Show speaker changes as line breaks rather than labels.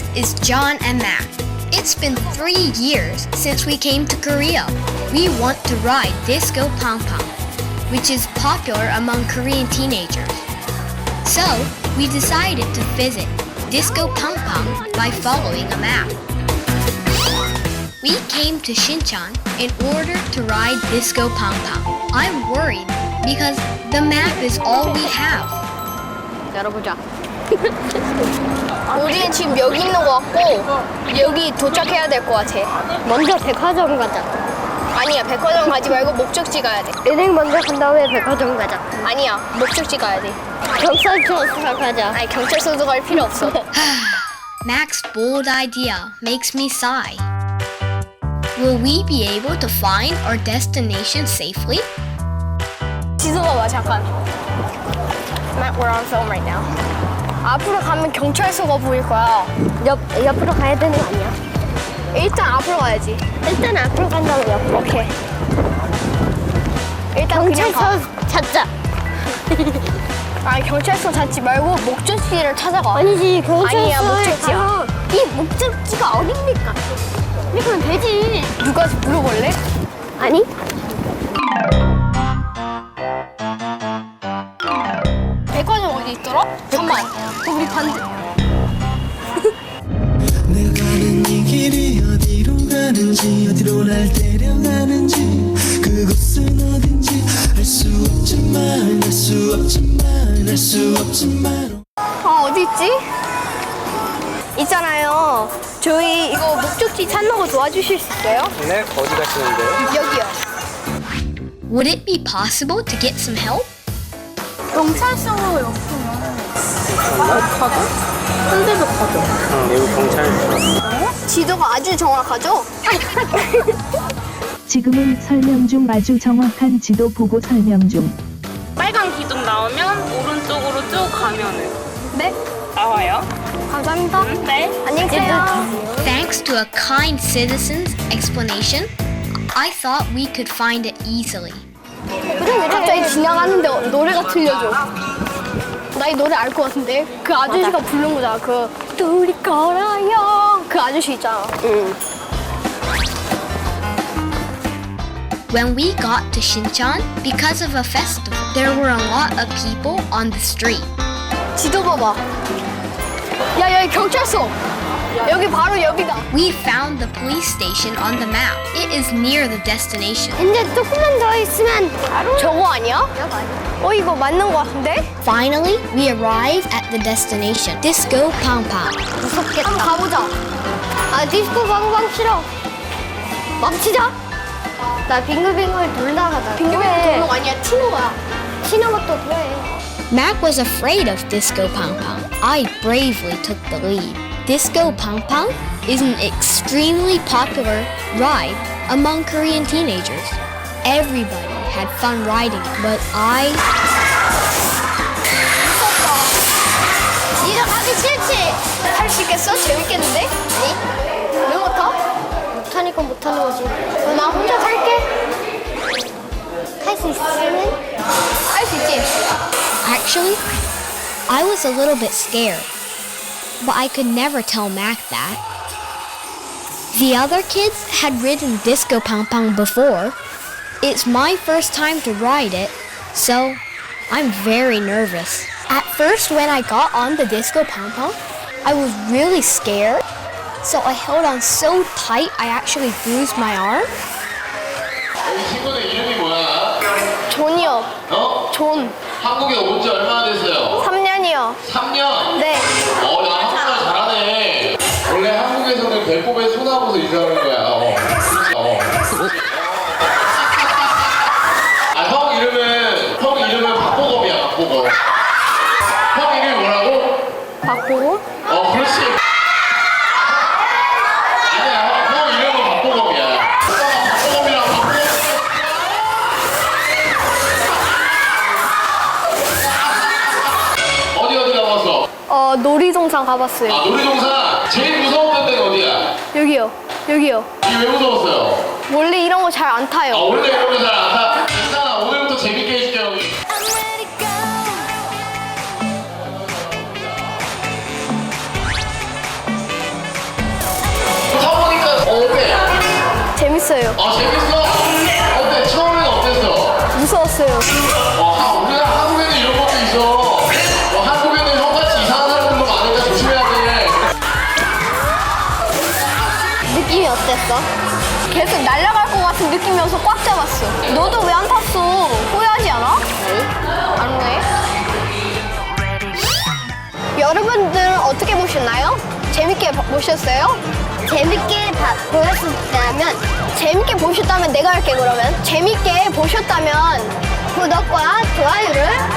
is John and Mac. It's been 3 years since we came to Korea. We want to ride Disco Pong Pong, which is popular among Korean teenagers. So, we decided to visit Disco Pong Pong by following a map. We came to Shincheon in order to ride Disco Pong Pong. I'm worried because the map is all we have.
열어보자. 우리는 지금 여기 있는 것 같고 여기 도착해야 될 것 같아.
먼저 백화점 가자.
아니야, 백화점 가지 말고 목적지 가야 돼.
은행 먼저 간 다음에 백화점 가자.
아니야, 목적지 가야 돼.
경찰서 가자.
아니, 경찰서도 갈 필요 없어.
Mac's bold idea makes me sigh. Will we be able to find our destination safely?
지도 봐봐, 잠깐. Matt, we're on film right now. 앞으로 가면 경찰서가 보일 거야.
옆으로 가야 되는 거 아니야?
일단 앞으로 가야지.
일단 앞으로 간 다음에 옆으로.
오케이. 일단 그냥 가.
경찰서 찾자.
아니, 경찰서 찾지 말고 목적지를 찾아가.
아니지, 경찰서에
아니야, 목적지야.
가서 이 목적지가 어딥니까? 이러면 되지.
누가 물어볼래?
아니?
백화점 어디 있더라? 잠깐만. 우리 반대.
내가 가는 이 길이 어디로 가는지 어디로 날 데려가는지 그곳은 어딘지 알 수 없지만 알 수 없지만 알 수 없지만
어디 있지? 있잖아요. 저희 이거 목적지 찾는 거 도와주실 수 있어요?
네, 어디 가시는데요?
여기요.
Would it be possible to get some help?
경찰서로 옆으면
현대도 가자.
여기 경찰서.
지도가 아주 정확하죠?
지금은 설명 중 아주 정확한 지도 보고 설명 중.
빨간 기둥 나오면 오른쪽으로 쭉 가면은
네.
나와요.
감사합니다.
네.
안녕히 계세요.
Thanks to a kind citizen's explanation, I thought we could find it easily.
갑자기 지나가는데 노래가 들려줘. 나 이 노래 알 것 같은데? 그 아저씨가 부른 거잖아. 그 둘이 걸어요. 그 아저씨 있잖아.
When we got to Shincheon, because of a festival, there were a lot of people on the street.
지도 봐봐. 야, 여기 경찰서. 여기 바로 여기다.
We found the police station on the map. It is near the destination.
이제 조금만 더 있으면 바로
저거 아니야? 이거 맞는 거 같은데?
Finally, we arrived at the destination, Disco Pong Pong.
무섭겠다.
한번 가보자.
아, 디스코 방방 싫어. 멈추자. 나 빙글빙글 돌다가다.
빙글빙글 도는 거 아니야. 튀는 거야.
튀는 것도 돼.
Mac was afraid of Disco Pong Pong. I bravely took the lead. Disco Pong Pong is an extremely popular ride among Korean teenagers. Everybody had fun riding it, but I...
니가 가기 싫지? 할 수 있겠어? 재밌겠는데? 아니? 왜 못 타?
못하니까 못하는 거지.
그럼 나 혼자 탈게.
할 수 있으면?
할 수 있지?
Actually, I was a little bit scared, but I could never tell Mac that. The other kids had ridden Disco Pong Pong before. It's my first time to ride it, so I'm very nervous. At first, when I got on the Disco Pong Pong, I was really scared, so I held on so tight I actually bruised my arm.
친구들 이름이 뭐야?
존이요.
어?
존.
한국에 온 지 얼마나 됐어요?
3년이요.
3년?
네.
나 한국말 잘하네. 원래 한국에서는 배꼽에 손 하고서 인사하는 거야. 형 이름은 박보검이야, 박보검. 형 이름이 뭐라고?
바꾸고.
그렇지. 아니야, 형 이름은 박보검이야. 오빠가 박보검이랑 박보검. 어디 가봤어?
놀이동산 가봤어요.
놀이동산 제일 무서웠던 데는 어디야?
여기요. 여기요.
이게 왜 무서웠어요?
원래 이런 거 잘 안 타요.
원래 이런 거 잘 안 타? 괜찮아, 오늘부터 재밌게 해줄게 형이.
재밌었어요.
아 재밌어? 어때? 처음에는 어땠어?
무서웠어요.
우리가 한국에는 이런 것도 있어. 한국에는 형같이 이상한 사람들도 많으니까 조심해야 돼.
느낌이 어땠어? 계속 날아갈 것 같은 느낌이어서 꽉 잡았어. 너도 왜 안 탔어? 후회하지 않아? 안 후회? 여러분들은 어떻게 보셨나요? 재밌게 보셨어요?
재밌게 보였다면
재밌게 보셨다면 내가 할게 그러면. 재밌게 보셨다면
구독과 좋아요를